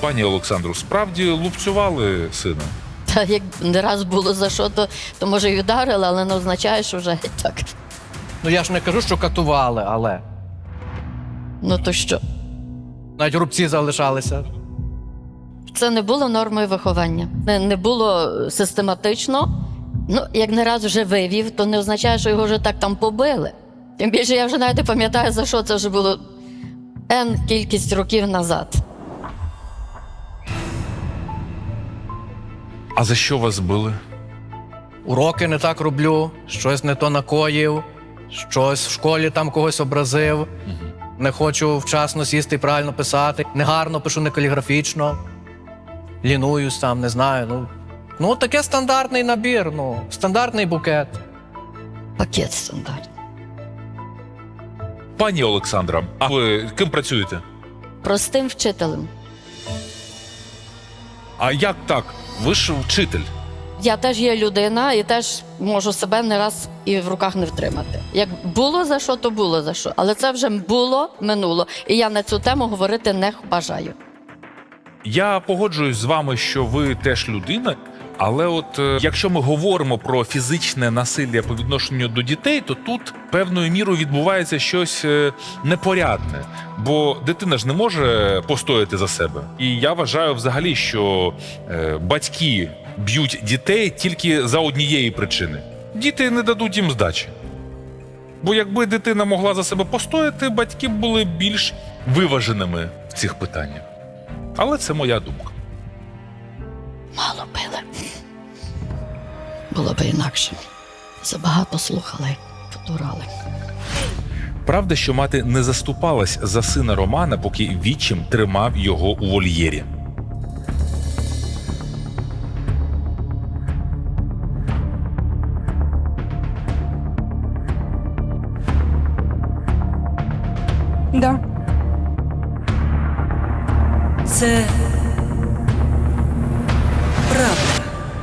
Пані Олександру, справді лупцювали сина? Та як не раз було за що, то може й ударили, але не означає, що вже так. Ну я ж не кажу, що катували, але Ну то що? навіть рубці залишалися. Це не було нормою виховання. Не було систематично. Ну, як не раз вже вивів, то не означає, що його вже так там побили. Тим більше я вже навіть не пам'ятаю, за що це вже було N кількість років назад. А за що вас били? Уроки не так роблю, щось не то накоїв, щось в школі там когось образив, не хочу вчасно сісти і правильно писати, негарно пишу, не каліграфічно, лінуюсь там, не знаю. Ну таке стандартний набір, стандартний букет. Пакет стандартний. Пані Олександра, а ви ким працюєте? Простим вчителем. А як так? Ви ж вчитель. Я теж є людина і теж можу себе не раз і в руках не втримати. Як було за що, то було за що. Але це вже було, минуло. І я на цю тему говорити не бажаю. Я погоджуюсь з вами, що ви теж людина, але от якщо ми говоримо про фізичне насилля по відношенню до дітей, то тут певною мірою відбувається щось непорядне, бо дитина ж не може постояти за себе. І я вважаю взагалі, що батьки б'ють дітей тільки за однієї причини. Діти не дадуть їм здачі. Бо якби дитина могла за себе постояти, батьки б були більш виваженими в цих питаннях. Але це моя думка. Мало били. Було б інакше. Забагато слухали, потурали. Правда, що мати не заступалась за сина Романа, поки відчим тримав його у вольєрі. Да. Це правда.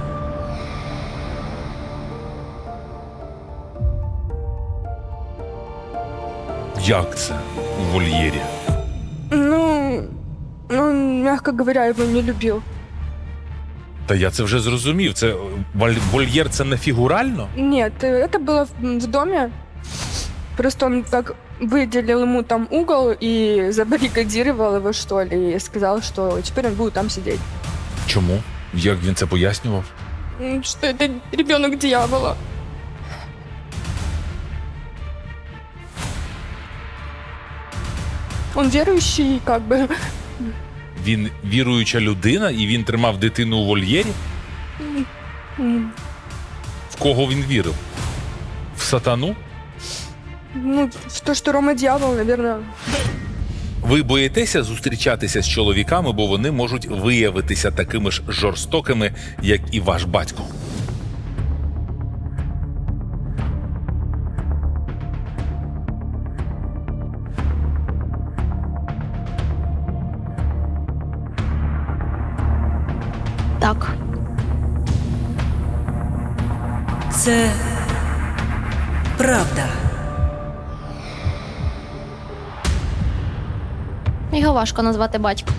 Як це у вольєрі? Ну, он, мягко говоря, его не любил. Та я це вже зрозумів. Це вольєр – це не фігурально? Нет, это было в доме. Просто он так выделил ему там угол и забаррикадировал его, что ли, и сказал, что теперь он будет там сидеть. Чому? Як він це пояснював? Что это ребенок дьявола. Он верующий, как бы. Він віруюча людина, і він тримав дитину у вольєрі? В кого він вірив? В сатану? Ну, в то, что Рома дьявол, наверное. Ви боїтеся зустрічатися з чоловіками, бо вони можуть виявитися такими ж жорстокими, як і ваш батько? Так. Це правда. Його важко назвати батьком.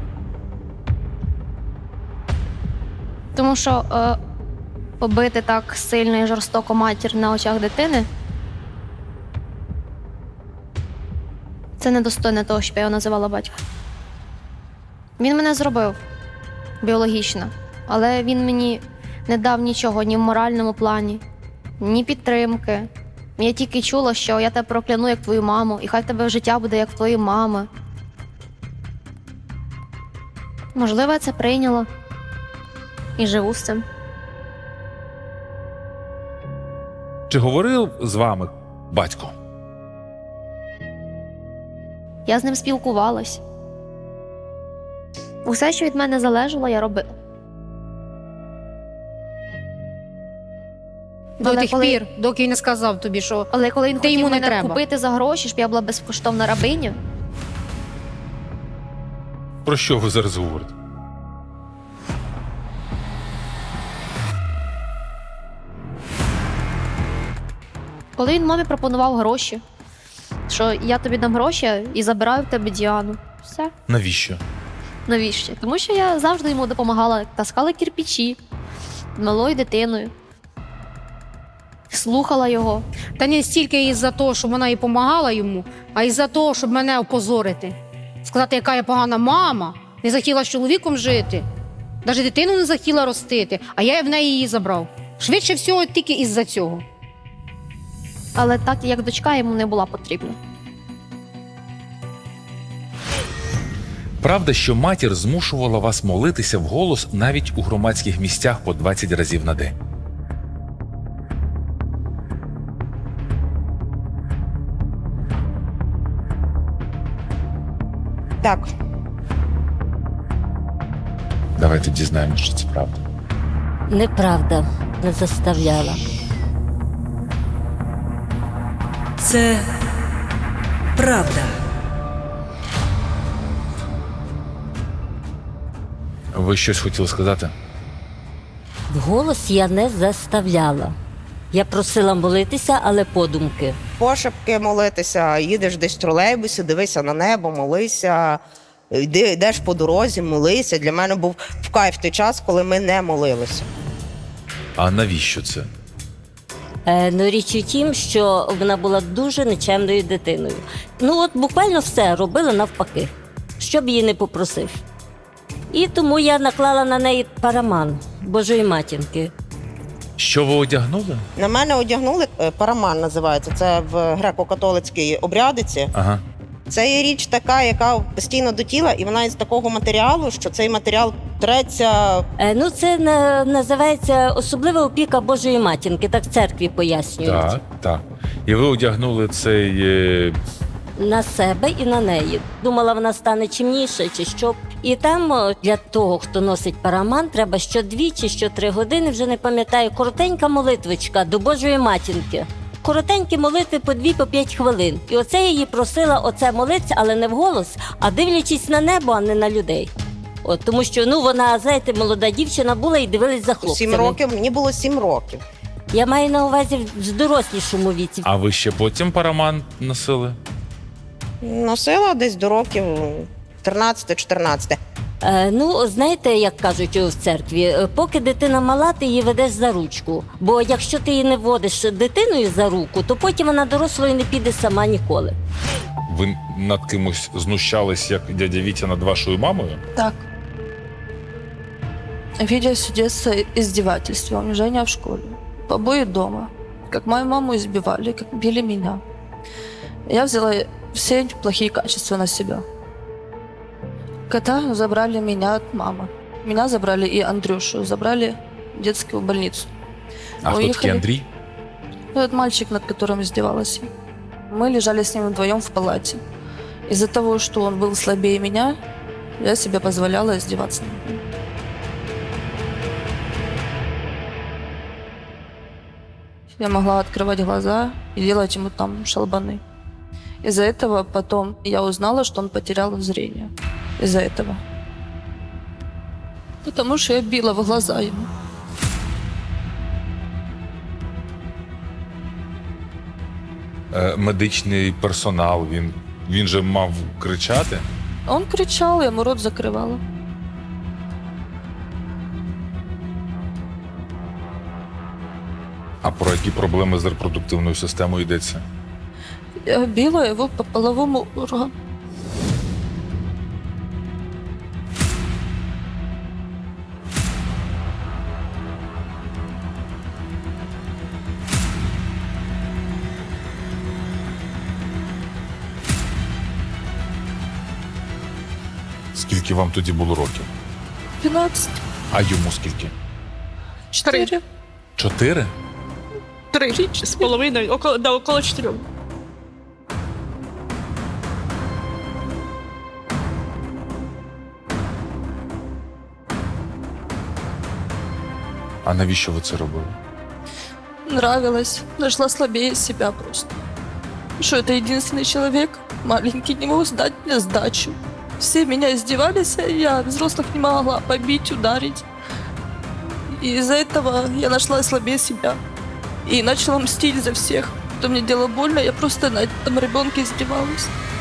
Тому що побити так сильно і жорстоко матір на очах дитини – це недостойне того, щоб я його називала батьком. Він мене зробив біологічно, але він мені не дав нічого ні в моральному плані, ні підтримки. Я тільки чула, що я тебе прокляну як твою маму, і хай в тебе життя буде як в твоїй мами. Можливо, я це прийняла і живу з цим. Чи говорив з вами батько? Я з ним спілкувалась. Усе, що від мене залежало, я робила. До тих пір, доки він не сказав тобі, що Але коли він Ти хотів йому не мене треба. купити за гроші, щоб я була безкоштовна рабиня, Про що ви зараз говорите? коли він мамі пропонував гроші, що я тобі дам гроші і забираю в тебе Діану. Все. Навіщо? Навіщо? Тому що я завжди йому допомагала, таскала кирпичі малою дитиною, слухала його. Та не стільки із-за того, щоб вона і допомагала йому, а із-за того, щоб мене опозорити. Сказати, яка я погана мама, не захотіла з чоловіком жити, навіть дитину не захотіла ростити, а я в неї її забрав. Швидше всього, тільки із-за цього. Але так, як дочка, йому не була потрібна. Правда, що матір змушувала вас молитися вголос навіть у громадських місцях по 20 разів на день. Так, Давайте дізнаємося, що це правда. Неправда, не заставляла. це правда. Ви щось хотіли сказати? Вголос я не заставляла. Я просила молитися, але подумки. пошепки молитися, їдеш десь в тролейбусі, дивися на небо, молися, йдеш по дорозі, молися. Для мене був в кайф той час, коли ми не молилися. А навіщо це? Ну, річ у тім, що вона була дуже нечемною дитиною. Ну, от буквально все робила навпаки, щоб її не попросив. І тому я наклала на неї параман Божої матінки. Що ви одягнули? На мене одягнули параман, називається. Це в греко-католицькій обрядиці. Ага. Це є річ така, яка постійно до тіла, і вона із такого матеріалу, що цей матеріал треться. Ну, це називається особлива опіка Божої матінки, так в церкві пояснюють. Так, так. І ви одягнули цей. На себе і на неї. Думала, вона стане чимніше чи що. І там для того, хто носить параман, треба що 2 чи що 3 години, вже не пам'ятаю, коротенька молитвочка до Божої матінки. Коротенькі молитви по 2-5 хвилин. І оце я її просила оце молитися, але не вголос, а дивлячись на небо, а не на людей. От, тому що вона, знаєте, молода дівчина була і дивилась за хлопцями. 7 років, мені було 7 років. Я маю на увазі в дорослішому віці. А ви ще потім параман носили? Носила десь до років 13-14. Знаєте, як кажуть в церкві, поки дитина мала, ти її ведеш за ручку. Бо якщо ти її не водиш дитиною за руку, то потім вона дорослою не піде сама ніколи. Ви над кимось знущались, як дядя Вітя над вашою мамою? Так. Видя с детства издевательства, унижения в школе, побои дома, как мою маму избивали, как били меня. Я взяла все эти плохие качества на себя. Когда забрали меня от мамы. Меня забрали и Андрюшу, забрали в детскую больницу. А хто такий Андрій? Этот мальчик, над которым издевалась я. Мы лежали с ним вдвоем в палате. Из-за того, что он был слабее меня, я себе позволяла издеваться над ним. Я могла открывать глаза и делать ему там шалбаны. Из-за этого потом я узнала, что он потерял зрение. Из-за этого. Потому что я била в глаза ему. Медичний персонал, він же мав кричати. Он кричал, я ему рот закрывала. А про які проблеми з репродуктивною системою йдеться? Я била его по половому органу. Скільки вам тоді було років? 12. А йому скільки? 4. 4? 3,5, около 4. А навіщо ви це робили? Нравилось. Нашла слабее себя просто. Что это единственный человек, маленький, не мог сдать мне сдачу. Все меня издевались, а я взрослых не могла побить, ударить. И из-за этого я нашла слабее себя. И начала мстить за всех. Кто мне делал больно, я просто на этом ребенке издевалась.